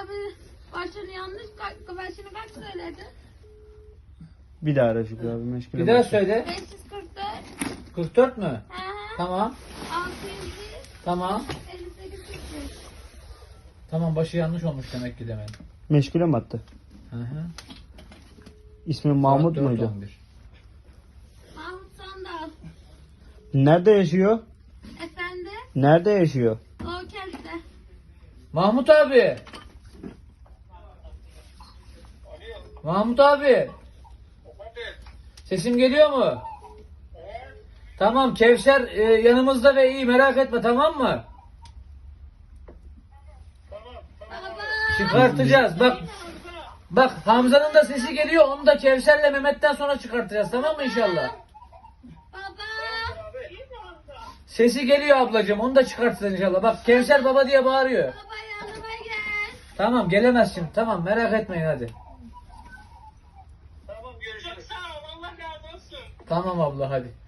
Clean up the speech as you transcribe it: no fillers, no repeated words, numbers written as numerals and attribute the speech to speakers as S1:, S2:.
S1: abi başını yanlış başını kaç söyledi?
S2: Bir daha ara Şükrü abi meşgule
S3: Bir daha
S2: başla.
S3: söyle.
S1: 544.
S3: 44 mü?
S1: Hı hı.
S3: Tamam.
S1: 600.
S3: Tamam.
S1: 58. 45.
S3: Tamam, başı yanlış olmuş demek ki demedim.
S2: Meşgule mi attı?
S3: Hı hı.
S2: İsmi Mahmut
S3: Saat
S2: muydu?
S3: 4:11.
S1: Mahmut Sandal.
S2: Nerede yaşıyor?
S1: Efendi.
S2: Nerede yaşıyor?
S1: O kentte.
S3: Mahmut abi. Mahmut abi. Sesim geliyor mu? Tamam, Kevser yanımızda ve iyi, merak etme, tamam mı?
S1: Baba.
S3: Çıkartacağız. Bak Hamza'nın da sesi geliyor. Onu da Kevser'le Mehmet'ten sonra çıkartacağız, tamam mı inşallah?
S1: Baba.
S3: Sesi geliyor ablacığım. Onu da çıkartacağız inşallah. Bak Kevser baba diye bağırıyor.
S1: Baba yanıma gel.
S3: Tamam, gelemez şimdi. Tamam, merak etmeyin hadi.
S4: Tamam görüşürüz. Çok sağ ol. Allah razı olsun.
S3: Tamam abla hadi.